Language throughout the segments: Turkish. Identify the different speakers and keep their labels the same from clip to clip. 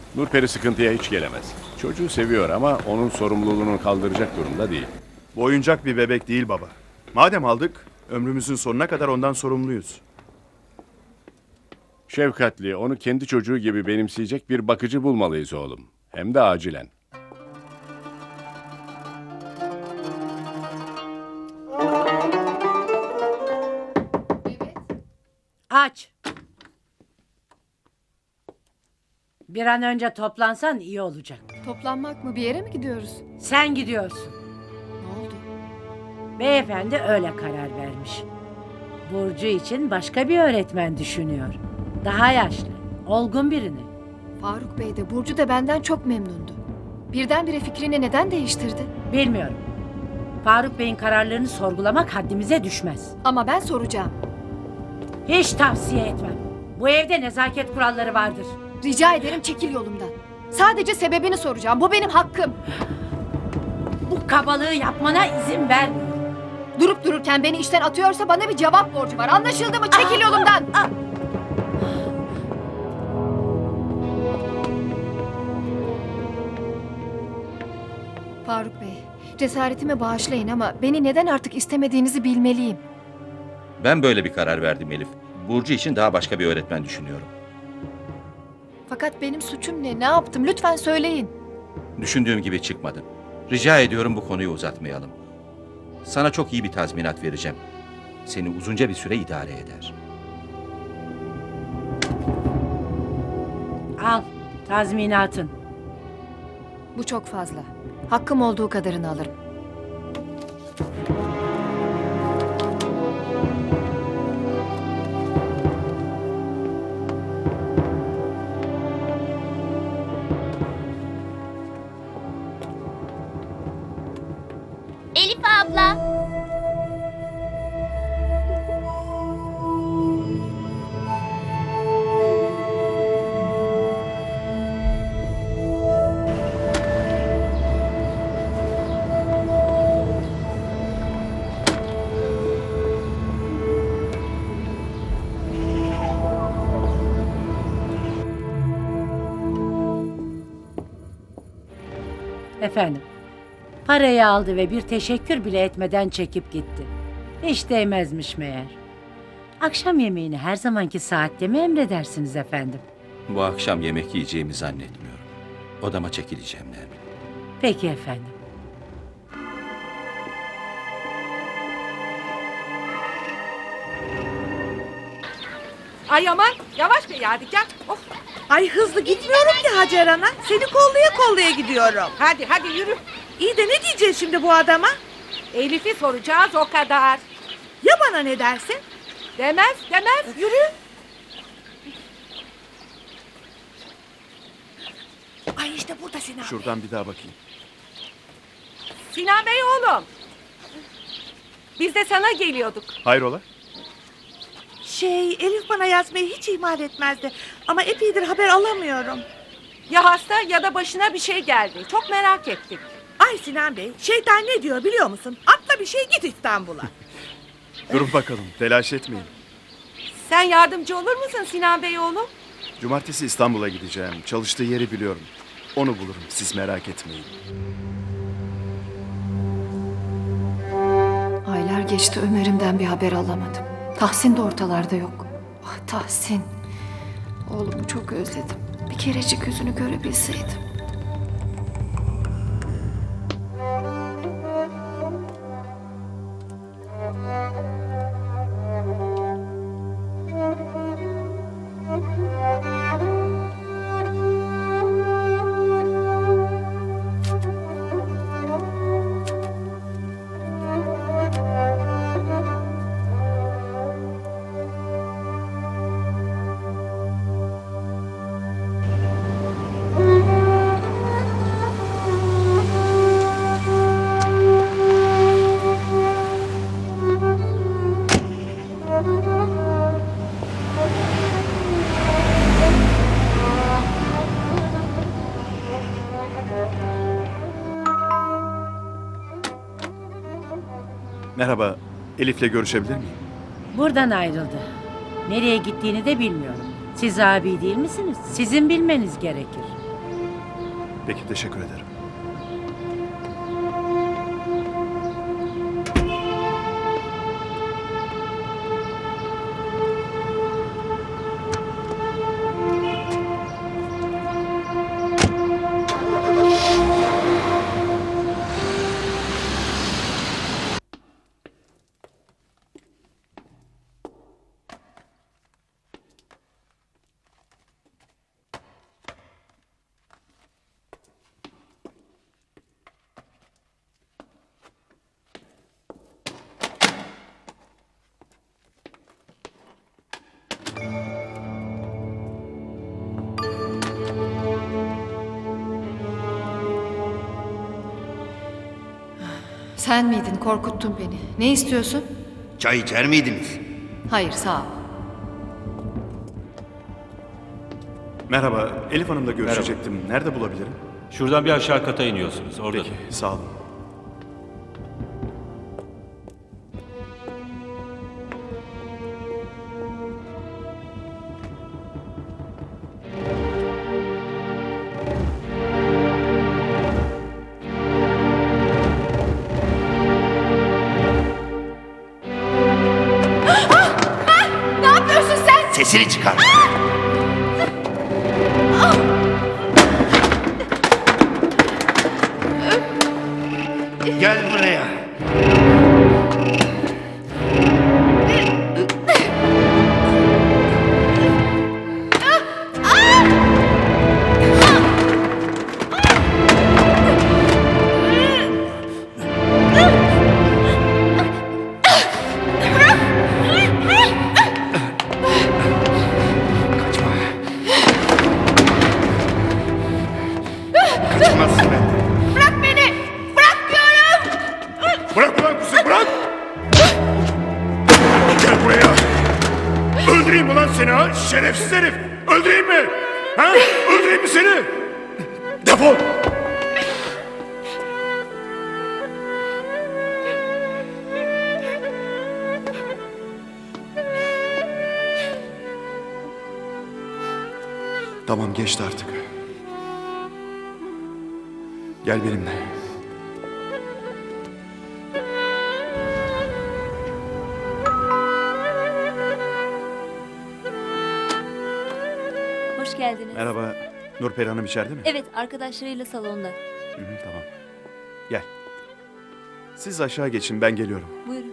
Speaker 1: Nurperi sıkıntıya hiç gelemez. Çocuğu seviyor ama onun sorumluluğunu kaldıracak durumda değil.
Speaker 2: Bu oyuncak bir bebek değil baba. Madem aldık, ömrümüzün sonuna kadar ondan sorumluyuz.
Speaker 1: Şefkatli, onu kendi çocuğu gibi benimseyecek bir bakıcı bulmalıyız oğlum. Hem de acilen.
Speaker 3: Aç. Bir an önce toplansan iyi olacak.
Speaker 4: Toplanmak mı? Bir yere mi gidiyoruz?
Speaker 3: Sen gidiyorsun.
Speaker 4: Ne oldu?
Speaker 3: Beyefendi öyle karar vermiş. Burcu için başka bir öğretmen düşünüyor. Daha yaşlı, olgun birini.
Speaker 4: Faruk Bey de Burcu da benden çok memnundu. Birdenbire fikrini neden değiştirdi?
Speaker 3: Bilmiyorum. Faruk Bey'in kararlarını sorgulamak haddimize düşmez.
Speaker 4: Ama ben soracağım.
Speaker 3: Hiç tavsiye etmem. Bu evde nezaket kuralları vardır.
Speaker 4: Rica ederim çekil yolumdan. Sadece sebebini soracağım. Bu benim hakkım.
Speaker 3: Bu kabalığı yapmana izin vermiyorum.
Speaker 4: Durup dururken beni işten atıyorsa bana bir cevap borcu var. Anlaşıldı mı? Çekil yolumdan. Faruk Bey, cesaretimi bağışlayın ama beni neden artık istemediğinizi bilmeliyim.
Speaker 5: Ben böyle bir karar verdim Elif. Burcu için daha başka bir öğretmen düşünüyorum.
Speaker 4: Fakat benim suçum ne? Ne yaptım? Lütfen söyleyin.
Speaker 5: Düşündüğüm gibi çıkmadı. Rica ediyorum bu konuyu uzatmayalım. Sana çok iyi bir tazminat vereceğim. Seni uzunca bir süre idare eder.
Speaker 3: Al, tazminatın.
Speaker 4: Bu çok fazla. Hakkım olduğu kadarını alırım.
Speaker 6: Elif abla.
Speaker 3: Efendim, parayı aldı ve bir teşekkür bile etmeden çekip gitti. Hiç değmezmiş meğer. Akşam yemeğini her zamanki saatte mi emredersiniz efendim?
Speaker 5: Bu akşam yemek yiyeceğimi zannetmiyorum. Odama çekileceğim Nermin.
Speaker 3: Peki efendim.
Speaker 7: Ay aman yavaş be Yadigar. Of.
Speaker 8: Ay hızlı gitmiyorum ki Hacer Ana. Seni kollaya kollaya gidiyorum.
Speaker 7: Hadi yürü.
Speaker 8: İyi de ne diyeceğiz şimdi bu adama?
Speaker 7: Elif'i soracağız o kadar.
Speaker 8: Ya bana ne dersin?
Speaker 7: Demez yürü.
Speaker 8: Ay işte burada Sinan.
Speaker 2: Şuradan bir daha bakayım.
Speaker 7: Sinan Bey oğlum. Biz de sana geliyorduk.
Speaker 2: Hayrola?
Speaker 8: Elif bana yazmayı hiç ihmal etmezdi. Ama epeydir haber alamıyorum.
Speaker 7: Ya hasta ya da başına bir şey geldi. Çok merak ettik.
Speaker 8: Ay Sinan Bey, şeytan ne diyor biliyor musun? Atla bir şey git İstanbul'a.
Speaker 2: Durun bakalım, telaş etmeyin.
Speaker 7: Sen yardımcı olur musun Sinan Bey oğlum?
Speaker 2: Cumartesi İstanbul'a gideceğim. Çalıştığı yeri biliyorum. Onu bulurum, siz merak etmeyin.
Speaker 4: Aylar geçti Ömer'imden bir haber alamadım. Tahsin de ortalarda yok. Ah Tahsin. Oğlumu çok özledim. Bir kerecik yüzünü görebilseydim.
Speaker 2: Merhaba, Elif'le görüşebilir miyim?
Speaker 3: Buradan ayrıldı. Nereye gittiğini de bilmiyorum. Siz abi değil misiniz? Sizin bilmeniz gerekir.
Speaker 2: Peki, teşekkür ederim.
Speaker 4: Sen miydin? Korkuttun beni. Ne istiyorsun?
Speaker 9: Çay içer miydiniz?
Speaker 4: Hayır, sağ ol.
Speaker 2: Merhaba, Elif Hanım'la görüşecektim. Nerede bulabilirim?
Speaker 10: Şuradan bir aşağı kata iniyorsunuz. Orada.
Speaker 2: Peki, sağ olun.
Speaker 6: Ne yapıyorsun sen?
Speaker 9: Sesini çıkar. Gel buraya. Kaçmazsın benden.
Speaker 6: Bırak beni! Bırak diyorum!
Speaker 2: Bırak ulan kızı, bırak! Gel buraya! Öldüreyim ulan seni ha, şerefsiz herif! Öldüreyim mi? Ha? Öldüreyim mi seni? Defol! Tamam, geçti artık. Gel benimle.
Speaker 11: Hoş geldiniz.
Speaker 2: Merhaba, Nurperi Hanım içeride mi?
Speaker 11: Evet, arkadaşlarıyla salonda.
Speaker 2: Hı hı, tamam. Gel. Siz aşağı geçin, ben geliyorum.
Speaker 11: Buyurun.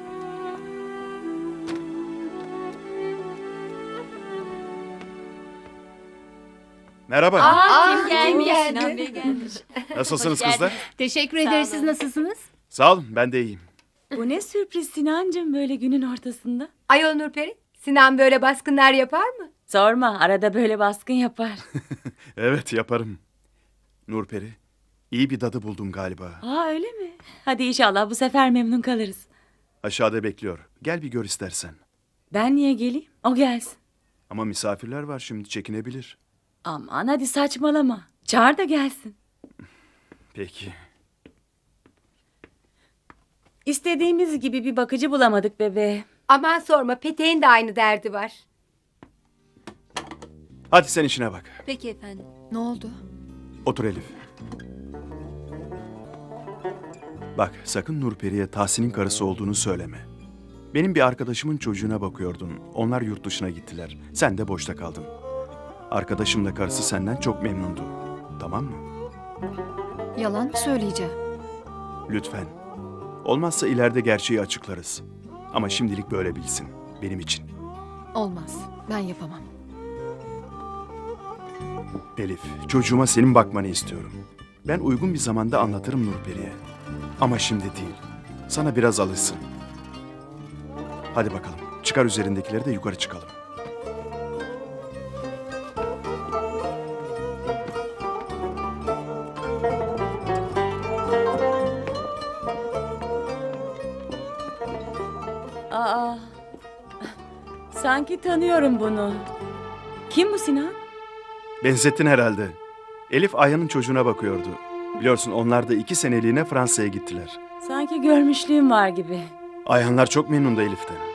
Speaker 2: Merhaba.
Speaker 11: Kim gelmiş? Sinan Bey gelmiş.
Speaker 2: Nasılsınız kızlar?
Speaker 11: Teşekkür ederiz. Siz nasılsınız?
Speaker 2: Sağ olun, ben de iyiyim.
Speaker 7: Bu ne sürpriz Sinancığım böyle günün ortasında.
Speaker 8: Ayol Nurperi, Sinan böyle baskınlar yapar mı?
Speaker 7: Sorma arada böyle baskın yapar.
Speaker 2: Evet, yaparım. Nurperi, iyi bir dadı buldum galiba.
Speaker 7: Aa öyle mi? Hadi inşallah bu sefer memnun kalırız.
Speaker 2: Aşağıda bekliyor. Gel bir gör istersen.
Speaker 7: Ben niye geleyim? O gelsin.
Speaker 2: Ama misafirler var şimdi, çekinebilir.
Speaker 7: Aman hadi saçmalama. Çağır da gelsin.
Speaker 2: Peki.
Speaker 7: İstediğimiz gibi bir bakıcı bulamadık bebeğe.
Speaker 8: Aman sorma, Petek'in de aynı derdi var.
Speaker 2: Hadi sen işine bak.
Speaker 11: Peki efendim.
Speaker 4: Ne oldu?
Speaker 2: Otur Elif. Bak, sakın Nurperi'ye Tahsin'in karısı olduğunu söyleme. Benim bir arkadaşımın çocuğuna bakıyordun. Onlar yurt dışına gittiler. Sen de boşta kaldın. Arkadaşımla karısı senden çok memnundu. Tamam mı?
Speaker 4: Yalan mı söyleyeceğim?
Speaker 2: Lütfen. Olmazsa ileride gerçeği açıklarız. Ama şimdilik böyle bilsin. Benim için.
Speaker 4: Olmaz. Ben yapamam.
Speaker 2: Elif, çocuğuma senin bakmanı istiyorum. Ben uygun bir zamanda anlatırım Nurperi'ye. Ama şimdi değil. Sana biraz alışsın. Hadi bakalım. Çıkar üzerindekileri de yukarı çıkalım.
Speaker 7: Aa, sanki tanıyorum bunu. Kim bu Sinan?
Speaker 2: Benzettin herhalde. Elif Ayhan'ın çocuğuna bakıyordu. Biliyorsun onlar da 2 seneliğine Fransa'ya gittiler.
Speaker 7: Sanki görmüşlüğüm var gibi.
Speaker 2: Ayhanlar çok memnundu Elif'ten.